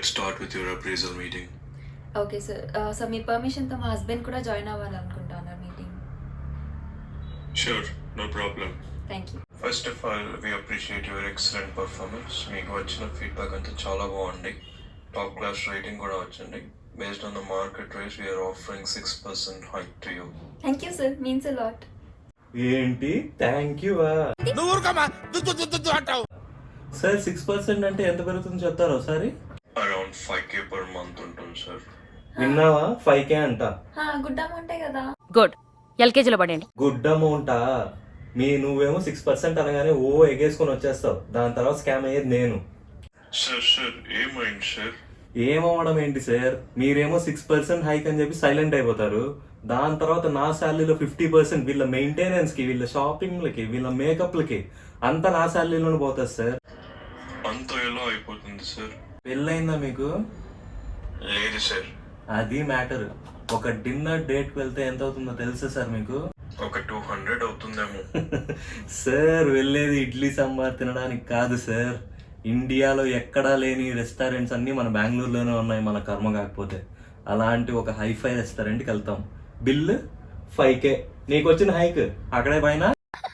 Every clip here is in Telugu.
let's start with your appraisal meeting. Okay sir. So మీ పర్మిషన్తో మా హస్బెండ్ కూడా జాయిన్ అవ్వాలనుకుంటున్నారు meeting. Sure, no problem. Thank you. First of all, we appreciate your excellent performance. మీకు వచ్చిన ఫీడ్బ్యాక్ అంతా చాలా బాగుంది. టాప్ క్లాస్ రేటింగ్ కూడా వచ్చింది. Based on the market rate, we are offering 6% hike to you. Thank you sir, means a lot. ఏంటి థ్యాంక్ యూ సార్ 6% అంటే ఎంత పెరుగుతుంది చెప్తారా ఒకసారి? Around 5k per month ఉంటుంది సార్. విన్నావా 5k అంట. గుడ్ అమౌంటే కదా. గుడ్, ఎల్కేజీలో పడండి. గుడ్ అమౌంటా? నువ్వేమో 6% అనగానే ఓ ఎగేసుకొని వచ్చేస్తావు, దాని తర్వాత స్కామ్ అయ్యేది నేను. సార్ ఏమైంది సార్? ఏమవడం ఏంటి సార్, మీరేమో 6% హైక్ అని చెప్పి సైలెంట్ అయిపోతారు. దాని తర్వాత నా శాలరీలో 50% వీళ్ళ మెయింటెనెన్స్ కి, వీళ్ళ షాపింగ్లకి, వీళ్ళ మేకప్లకి అంతా నా శాలరీలోనే పోతుంది సార్. అంత ఎలా అయిపోతుంది సార్? పెళ్ళయిందా మీకు? లేదు సార్. అది మ్యాటర్. ఒక డిన్నర్ డేట్కి వెళ్తే ఎంత అవుతుందో తెలుసా సార్ మీకు? ఒక 200 అవుతుందేమో. సార్ వెళ్ళేది ఇడ్లీ సాంబార్ తినడానికి కాదు సార్. ఇండియాలో ఎక్కడా లేని రెస్టారెంట్స్ అన్నీ మన బెంగళూరులోనే ఉన్నాయి, మన కర్మ కాకపోతే. అలాంటి ఒక హైఫై రెస్టారెంట్కి వెళ్తాం, బిల్ 5k. నీకు వచ్చిన హైక్ అక్కడే పైన.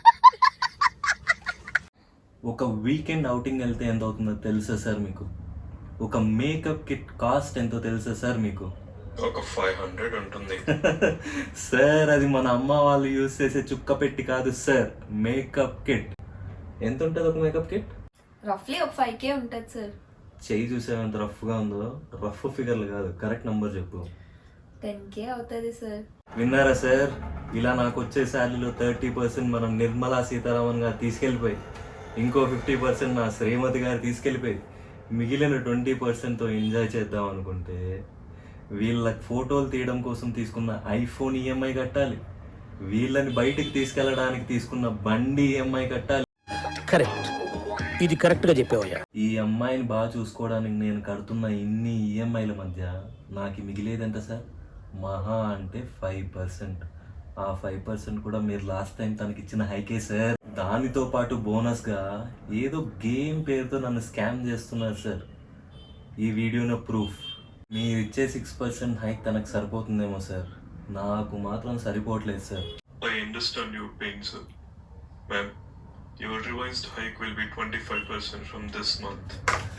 ఒక వీకెండ్ అవుటింగ్ వెళ్తే ఎంత అవుతుందో తెలుసా సార్ మీకు? ఒక మేకప్ కిట్ కాస్ట్ ఎంతో తెలుసా సార్ మీకు? ఒక 500 ఉంటుంది. సార్ అది మన అమ్మ వాళ్ళు యూజ్ చేసే చుక్క పెట్టి కాదు సార్, మేకప్ కిట్. ఎంత ఉంటుంది ఒక మేకప్ కిట్? రఫ్లీ ఒక 5k ఉంటుంది సార్. చెయ్యి చూసావు ఎంత రఫ్గా ఉందో? రఫ్ ఫిగర్లు కాదు, కరెక్ట్ నంబర్ చెప్పు. 10k అవుతుంది సార్. విన్నారా సార్? ఇలా నాకు వచ్చే శాలరీలో 30% మనం నిర్మలా సీతారామన్ గారు తీసుకెళ్ళిపోయి, ఇంకో 50% నా శ్రీమతి గారు తీసుకెళ్ళిపోయి, మిగిలిన 20%తో ఎంజాయ్ చేద్దాం అనుకుంటే వీళ్ళ ఫోటోలు తీయడం కోసం తీసుకున్న ఐఫోన్ ఈఎంఐ కట్టాలి, వీళ్ళని బయటికి తీసుకెళ్ళడానికి తీసుకున్న బండి ఈఎంఐ కట్టాలి. కరెక్ట్, ఇది కరెక్ట్గా చెప్పావయ్యా. ఈ అమ్మాయిని బాగా చూసుకోవడానికి నేను కడుతున్న ఇన్ని ఈఎంఐల మధ్య నాకు మిగిలేది ఎంత సార్? మహా అంటే 5%. ఆ 5% కూడా మీరు లాస్ట్ టైం తనకి ఇచ్చిన హైకే సార్. దానితో పాటు బోనస్గా ఏదో గేమ్ పేరుతో నన్ను స్కామ్ చేస్తున్నారు సార్. ఈ వీడియోలో ప్రూఫ్. మీరు ఇచ్చే 6% హైక్ తనకు సరిపోతుందేమో సార్, నాకు మాత్రం సరిపోవట్లేదు sir. I understand your pain, sir. Ma'am, your revised hike will be 25% from this month.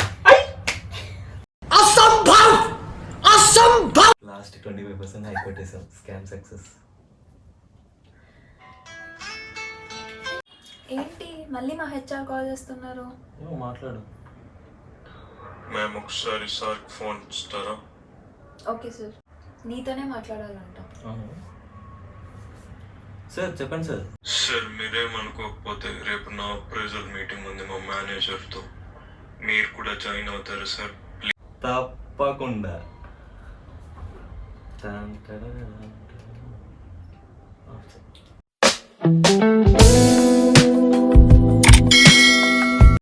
Last 25% hike కొట్టేసాం. Scam success. ఏంటి మళ్ళీ మా హెచ్ఆర్ కాల్ చేస్తున్నారు? ఏమో మాట్లాడు. మ్యామ్ ఒకసారి సార్కి ఫోన్ ఇస్తారా? ఓకే సార్, నీతోనే మాట్లాడాలంట. సార్ చెప్పండి సార్. సార్ మీరేమనుకోకపోతే రేపు నా అప్రైజల్ మీటింగ్ ఉంది మా మేనేజర్తో, మీరు కూడా జాయిన్ అవుతారు సార్? తప్పకుండా.